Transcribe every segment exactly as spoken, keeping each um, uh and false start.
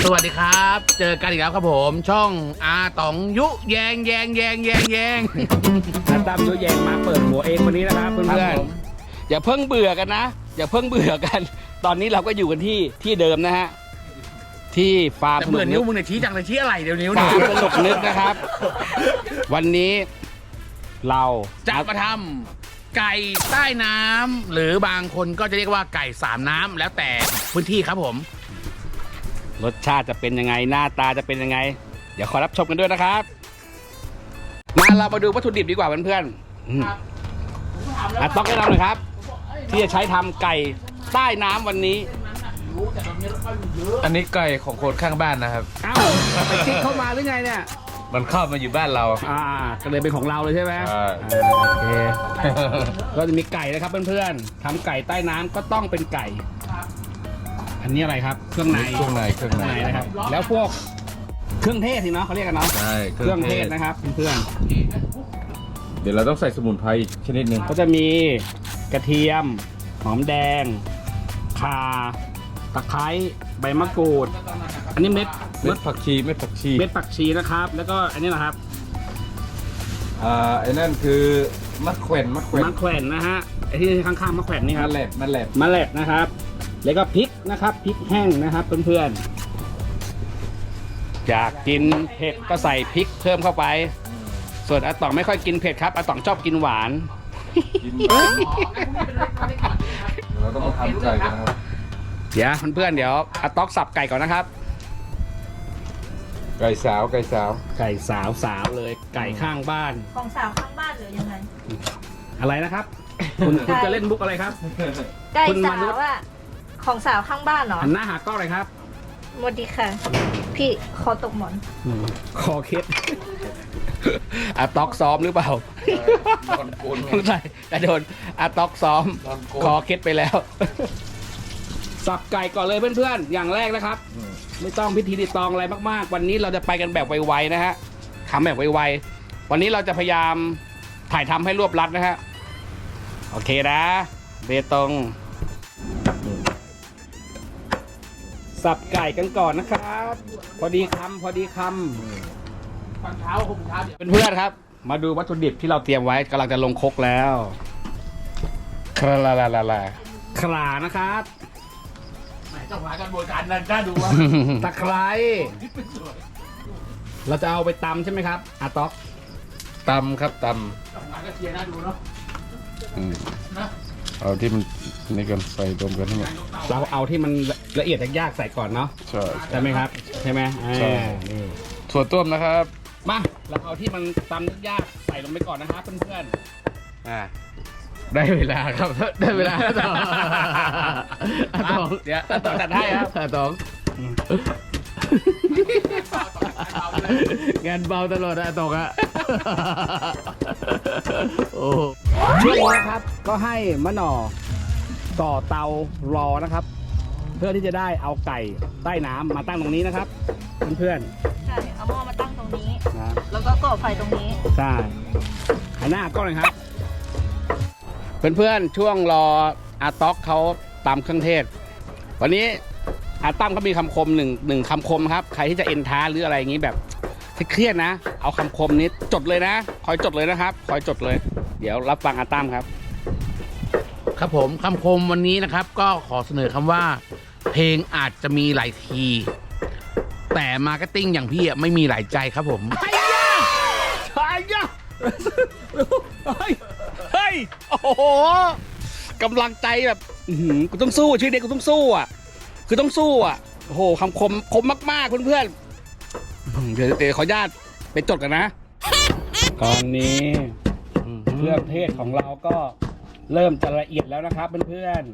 วัสดีครับเจอกันอีกแล้วครับผมช่องอาต๋องยุแยงแยงแยงแยงแยงอาตั้มยุแยงมาเปิดหัวเองวันนี้นะครับเพื่อนๆอย่าเพิ่งเบื่อกันนะอย่าเพิ่งเบื่อกันตอนนี้เราก็อยู่กันที่ที่เดิมนะฮะที่ฟาร์มสนุกนิ้วมึงเนี่ยชี้จังเลยชี้อะไรเดี๋ยวนิ้วฟาร์มสนุกนึกนะครับวันนี้เราจะมาทำไก่ใต้น้ำหรือบางคนก็จะเรียกว่าไก่สามน้ำแล้วแต่พื้นที่ครับผมรสชาติจะเป็นยังไงหน้าตาจะเป็นยังไงเดี๋ยวขอรับชมกันด้วยนะครับมาเรามาดูวัตถุดิบดีกว่าเพื่อนๆอ่ะต้องแนะนำหน่อยครับที่จะใช้ทำไก่ใต้น้ำวันนี้อันนี้ไก่ของคนข้างบ้านนะครับอ้าวไปคิดเข้ามาหรือไงเนี่ยมันเข้ามาอยู่บ้านเราอ่าก็เลยเป็นของเราเลยใช่ไหมใช่โอเคก็จะมีไก่นะครับเพื่อนๆทำไก่ใต้น้ำก็ต้องเป็นไก่อันนี้อะไรครับเครื่องในเครื่องในเครื่องในนะครับแล้วพวกเครื่องเทศสิเนาะเขาเรียกกันเนาะใช่เครื่องเทศนะครับเพื่อนเดี๋ยวเราต้องใส่สมุนไพรชนิดหนึ่งก็จะมีกระเทียมหอมแดงข่าตะไคร้ใบมะกรูดอันนี้เม็ดเม็ดผักชีเม็ดผักชีเม็ดผักชีนะครับแล้วก็อันนี้นะครับอ่าไอ้นั่นคือมะแขวนมะแขวนมะแขวนนะฮะไอ้ที่ข้างๆมะแขวนนี่ครับมะแหลดมะแหลดมะแหลดนะครับแล้วก็พริกนะครับพริกแห้งนะครับเพื่อนๆอยากกินเผ็ดก็ใส่พริกเพิ่มเข้าไปส่วนอาต๋องไม่ค่อยกินเผ็ดครับอาต๋องชอบกินหวานเราต้องมาทำไก่กันนะครับเดี๋ยวเพื่อนๆเดี๋ยวอาต๋องสับไก่ก่อนนะครับไก่สาวไก่สาวไก่สาวสาวเลยไก่ข้างบ้านของสาวข้างบ้านหรือยังไงอะไรนะครับคุณคุณจะเล่นมุกอะไรครับไก่สาวอะของสาวข้างบ้านเหรอหันหน้าหากล้องเลยครับสวัสดีค่ะพี่คอตกหมอนคอเคล็ดอาต็อกซ้อมหรือเปล่าโดนโกนใช่แต่โดนอาต็อกซ้อมคอเคล็ดไปแล้วสับไก่ก่อนเลยเพื่อนๆอย่างแรกนะครับไม่ต้องพิธีรีตองอะไรมากๆวันนี้เราจะไปกันแบบไวๆนะฮะทำแบบไวๆวันนี้เราจะพยายามถ่ายทำให้รวบรัดนะฮะโอเคนะเบตงสับไก่กันก่อนนะครับพอดีคำพอดีคำฟันเท้าผมเท้าเพื่อนๆครับมาดูวัตถุดิบที่เราเตรียมไว้กำลังจะลงครกแล้วคลาลาลาลาลาคลานะครับเจ้าหน้าการบริการน่าดูว่าตะไคร้เราจะเอาไปตำใช่ไหมครับอาต๊อกตำครับตำก็เทียน่าดูเนาะเอาที่มันนี่กันใส่รวมกันทั้งหมดเราเอาที่มันละเอียดยากๆใส่ก่อนเนาะใช่ใช่ไหมครับใช่ไหมใช่นี่ถั่วต้มนะครับมาเราเอาที่มันตำยากๆใส่ลงไปก่อนนะครับเพื่อนๆอ่าได้เวลาครับได้เวลาต่อต่อเดี๋ยวต่อจัดให้ครับต่องานเบาตลอดอะตกอะโอ้ช่วงนี้นะครับก็ให้มะหน่อต่อเตารอนะครับเพื่อที่จะได้เอาไก่ใต้น้ำมาตั้งตรงนี้นะครับเพื่อนๆใช่เอาหม้อมาตั้งตรงนี้นะแล้วก็ก่อไฟตรงนี้ใช่หันหน้าก็เลยครับเพื่อนๆช่วงรออาต๊อกเขาตำเครื่องเทศวันนี้อาตั้มเขามีคำคมหนึ่งหนึ่งคำคมครับใครที่จะเอ็นท้าหรืออะไรอย่างนี้แบบเครียดนะเอาคำคมนี้จดเลยนะคอยจดเลยนะครับคอยจดเลยเดี๋ยวรับฟังอาตั้มครับครับผมคำคมวันนี้นะครับก็ขอเสนอคำว่าเพลงอาจจะมีหลายทีแต่มาร์เก็ตติ้งอย่างพี่ไม่มีหลายใจครับผมไอ้ยะไอ้ยะเฮ้ยโอ้โหกำลังใจแบบกูต้องสู้ชีวิตเด็กกูต้องสู้อ่ะคือต้องสู้อ่ะโอ้โหคำคมคมมากๆเพื่อนๆเดี๋ยวเดี๋ยวขออนุญาตไปจดกันนะตอนนี้เครื่องเทศของเราก็เริ่มจะละเอียดแล้วนะครับเพื่อน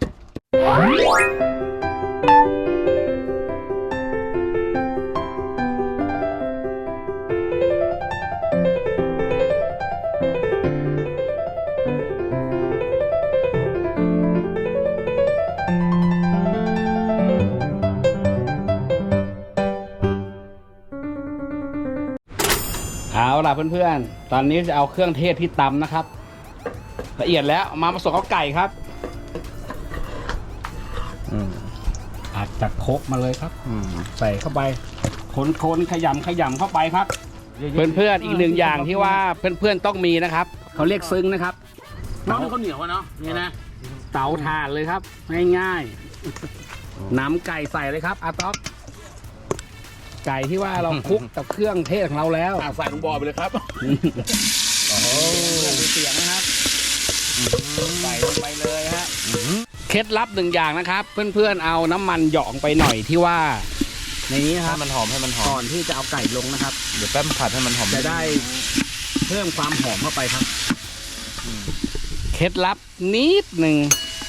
เอาล่ะเพื่อนๆตอนนี้จะเอาเครื่องเทศที่ตำนะครับละเอียดแล้วมาผสมกับไก่ครับอาจจากโคกมาเลยครับใส่เข้าไปคนๆขยำขยำเข้าไปครับ เพื่อนๆอีกหนึ่งอย่างที่ว่าเพื่อนๆต้องมีนะครับเขาเรียกซึ้งนะครับน้องข้าวเหนียวอะเนาะนี่นะเตาถ่านเลยครับง่ายๆน้ำไก่ใส่เลยครับอาต๊อกไก่ที่ว่าเราคลุกกับเครื่องเทศของเราแล้วใส่ลงบ่อไปเลยครับโอ้โหเสียงนะครับใส่ลงไปเลยฮะเคล็ดลับหนึ่งอย่างนะครับเพื่อนๆเอาน้ำมันหยองไปหน่อยที่ว่าในนี้นะครับมันหอมให้มันหอมก่อนที่จะเอาไก่ลงนะครับเดี๋ยวแป๊บผัดให้มันหอมจะได้เพิ่มความหอมเข้าไปครับเคล็ดลับนิดหนึ่ง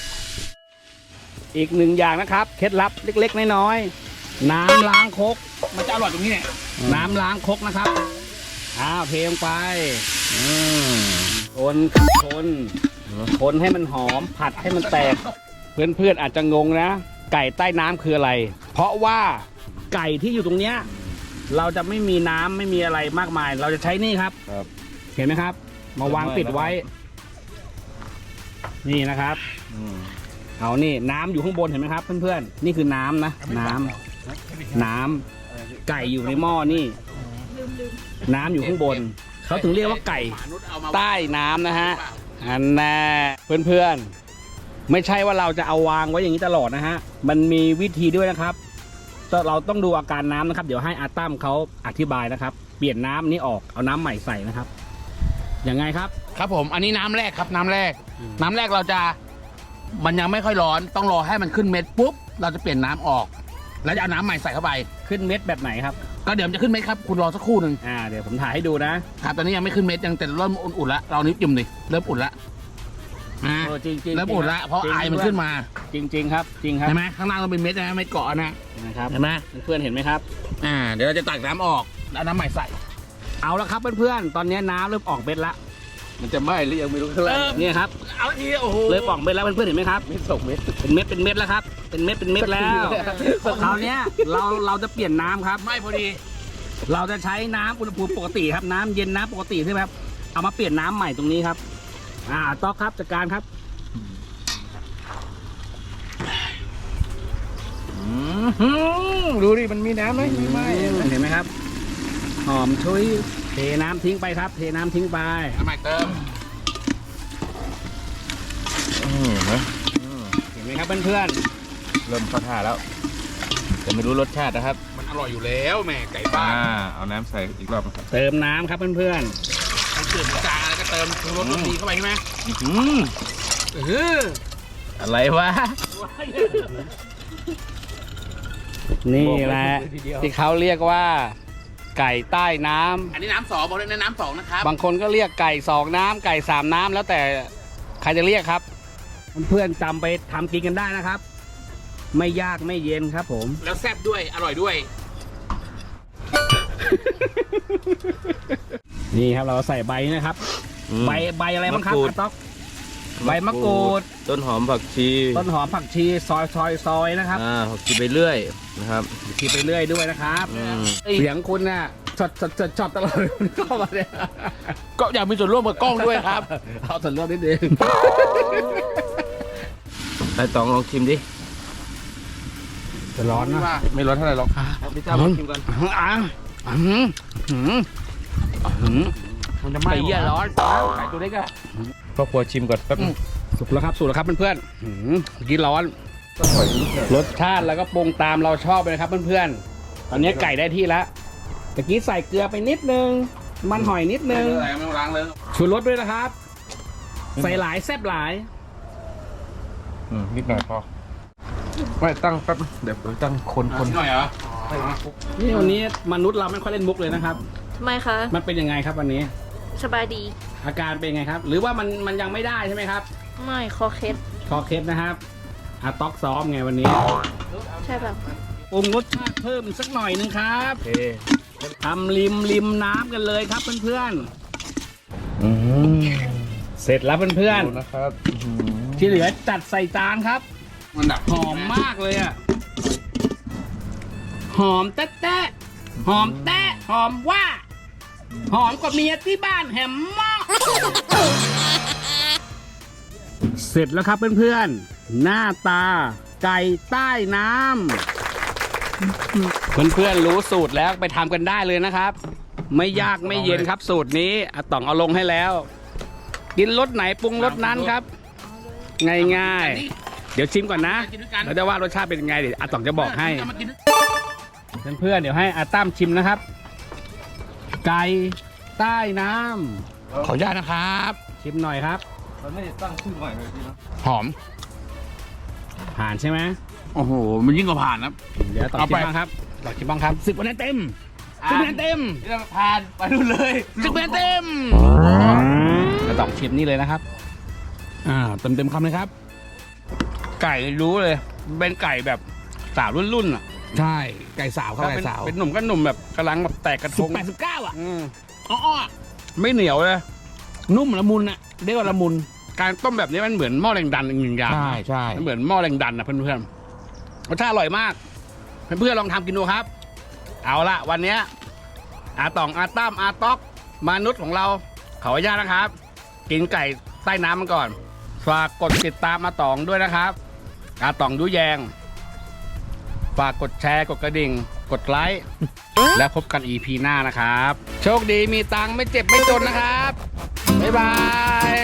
อีกหนึ่งอย่างนะครับเคล็ดลับเล็กๆน้อยๆน้ำล้างครกมันจะอร่อยตรงนี้เนี่ยน้ำล้างครกนะครับอ้าวเทลงไปคนคนคนให้มันหอมผัดให้มันแตกเพื่อนๆอาจจะงงนะไก่ใต้น้ำคืออะไรเพราะว่าไก่ที่อยู่ตรงเนี้ยเราจะไม่มีน้ำไม่มีอะไรมากมายเราจะใช้นี่ครับเห็นไหมครับมาวางปิดไว้นี่นะครับเอานี่น้ำอยู่ข้างบนเห็นไหมครับเพื่อนๆนี่คือน้ำนะน้ำน้ำไก่อยู่ในหม้อนี่น้ำอยู่ข้างบนเขาถึงเรียกว่าไก่ใต้น้ำนะฮะอันน่ะเพื่อนๆไม่ใช่ว่าเราจะเอาวางไว้อย่างนี้ตลอดนะฮะมันมีวิธีด้วยนะครับเราต้องดูอาการน้ำนะครับเดี๋ยวให้อาตั้มเขาอธิบายนะครับเปลี่ยนน้ำนี้ออกเอาน้ำใหม่ใส่นะครับยังไงครับครับผมอันนี้น้ำแรกครับน้ำแรกน้ำแรกเราจะมันยังไม่ค่อยร้อนต้องรอให้มันขึ้นเม็ดปุ๊บเราจะเปลี่ยนน้ำออกแล้วจะเอาน้ำใหม่ใส่เข้าไปขึ้นเม็ดแบบไหนครับก็เดี๋ยวมันจะขึ้นเม็ดครับคุณรอสักครู่หนึ่งอ่าเดี๋ยวผมถ่ายให้ดูนะครับตอนนี้ยังไม่ขึ้นเม็ดยังแต่เริ่มอุ่นๆแล้วเรานิ้วจิ้มดิเริ่มอุ่นละอ่าจริงๆเริ่มอุ่นละเพราะไอมันขึ้นมาจริงๆครับจริงครับเห็นไหมข้างล่างมันเป็นเม็ดนะเม็ดเกาะนะนะครับเห็นไหมเพื่อนเห็นไหมครับอ่าเดี๋ยวเราจะตักน้ำออกแล้วน้ำใหม่ใส่เอาละครับเพื่อนๆตอนนี้น้ำเริ่มออกเม็ดละมันจะไหม้หรือยังไม่รู้ข้างล่างเนี่ยครับเอาทีโอ้โหเลยป่องเม็ดแล้วเพื่อนๆเห็นไหมครับเม็ดสองเม็ดเป็นเม็ดเป็นเม็ดแล้วครับเป็นเม็ดเป็นเม็ดแล้วคราวนี้เราเราจะเปลี่ยนน้ำครับไม่พอดีเราจะใช้น้ำอุณหภูมิปกติครับน้ำเย็นน้ำปกติใช่ไหมครับเอามาเปลี่ยนน้ำใหม่ตรงนี้ครับอ่าต๊อกครับจัดการครับดูดิมันมีน้ำไหมมีไหมเห็นไหมครับหอมชุยเทน้ำทิ้งไปครับเทน้ำทิ้งไปน้ำใหม่เติมเห็นไหมครับเพื่อนๆเริ่มเข้าท่าแล้วแต่ไม่รู้รสชาตินะครับมันอร่อยอยู่แล้วแม่ไก่บ้านเอาน้ำใส่อีกรอบครับเติมน้ำครับเพื่อนๆมันเกลือจางอะไรก็เติมรสดีเข้าไปใช่ไหมเอออะไรวะนี่แหละที่เขาเรียกว่าไก่ใต้น้ำอันนี้น้ำสองบอกเลยนะน้ำสองนะครับบางคนก็เรียกไก่สองน้ำไก่สามน้ำแล้วแต่ใครจะเรียกครับเพื่อนๆจำไปทำกินกันได้นะครับไม่ยากไม่เย็นครับผมแล้วแซ่บด้วยอร่อยด้วย นี่ครับเราใส่ใบนะครับใบใบอะไรบ้างครับอาต๊อกใบมะกรูดต้นหอมผักชีต้นหอมผักชีซอยซอยซอยนะครับอ่าผักชีไปเรื่อยนะครับผักชีไปเรื่อยด้วยนะครับเสียงคุณน่ะช็อตช็อตช็อตตลอดเข้ามาเนี่ยก็อยากมีส่วนร่วมกับกล้องด้วยครับเอาส่วนร่วมนิดนึงไอ้ตองลองชิมดิจะร้อนนะไม่ร้อนเท่าไหร่หรอกพี่เจ้าลองชิมกันอ่ะอืมอืมอืมมันจะไหม้ไก่ร้อนไก่ตัวเล็กอะพ่อครัวชิมก่อนแป๊บสุกแล้วครับสุกแล้วครับเพื่อนๆกินร้อนรสชาติแล้วก็ปรุงตามเราชอบเลยครับเพื่อนๆตอนนี้ไก่ได้ที่แล้วตะกี้ใส่เกลือไปนิดนึงมันหอยนิดนึงชูรสด้วยนะครับใส่หลายแซ่บหลายนิดหน่อยพอไม่ตั้งแป๊บเดี๋ยวตั้งคนคนหน่อยเหรอนี่วันนี้มนุษย์เราไม่ค่อยเล่นมุกเลยนะครับทำไมคะมันเป็นยังไงครับวันนี้สบายดีอาการเป็นไงครับหรือว่ามันมันยังไม่ได้ใช่ไหมครับไม่คอเคสคอเคสนะครับอาต๊อกซ้อมไงวันนี้ใช่แบบปรุงรสชาติเพิ่มสักหน่อยนึงครับทำริมริมน้ำกันเลยครับเพื่อนๆเสร็จแล้วเพื่อนๆนะครับที่เหลือจัดใส่จานครับมันแบบหอมมากเลยอ่ะหอมแต๊ะหอมแต๊ะหอมว่าหอมกว่าเมียที่บ้านแหมมากเสร็จแล้วครับเพื่อนๆหน้าตาไก่ใต้น้ำเพื่อนๆรู้สูตรแล้วไปทำกันได้เลยนะครับ ไม่ยากไม่เย็นครับสูตรนี้อาต๋องเอาลงให้แล้ว กินรสไหนปรุงรสนั้นครับ ง่ายๆ เดี๋ยวชิมก่อนนะแล้วจะว่ารสชาติเป็นยังไงเดี๋ยวอาต๋องจะบอกให้เพื่อนๆเดี๋ยวให้อาตั้มชิมนะครับ ไก่ใต้น้ำขออนุญาตนะครับ ชิมหน่อยครับเราไม่ตั้งชื่อใหม่เลยพี่นะหอม ผ่านใช่ไหมโอ้โหมันยิ่งกว่าผ่านนะเดี๋ยวต่อเอาชิไปมบ้างครับต่อชิมบ้างครับสิบคะแนนเต็มสิบคะแนนเต็มนี่ผ่านไปนู่นเลยสิบคะแนนเต็มจะต้องชิมนี่เลยนะครับ อ่าเต็มเต็มคำเลยครับ ไก่รู้เลย เป็นไก่แบบสาวรุ่นๆอ่ะ ใช่ ไก่สาวครับไก่สาวเป็นหนุ่มก็หนุ่มแบบกำลังแบบแตกกระทงสิบแปดสิบเก้าอ่ะอ๋อไม่เหนียวเลย นุ่มละมุนอ่ะเรียกว่าละมุน การต้มแบบนี้มันเหมือนหม้อแรงดันอีกหนึ่งอย่างใช่ใช่มันเหมือนหม้อแรงดันนะเพื่อนๆรสชาติอร่อยมาก เพื่อนๆลองทำกินดูครับ เอาละวันเนี้ยอาต๋องอาตั้มอาต๊อกมนุษย์ของเราขออนุญาตนะครับ กินไก่ใต้น้ำมันก่อนฝากกดติดตามอาต๋องด้วยนะครับอาต๋องยุแยงฝากกดแชร์กดกระดิ่ง กดไลค์ และพบกัน อี พี หน้านะครับ โชคดีมีตังค์ไม่เจ็บไม่จนนะครับบ๊ายบาย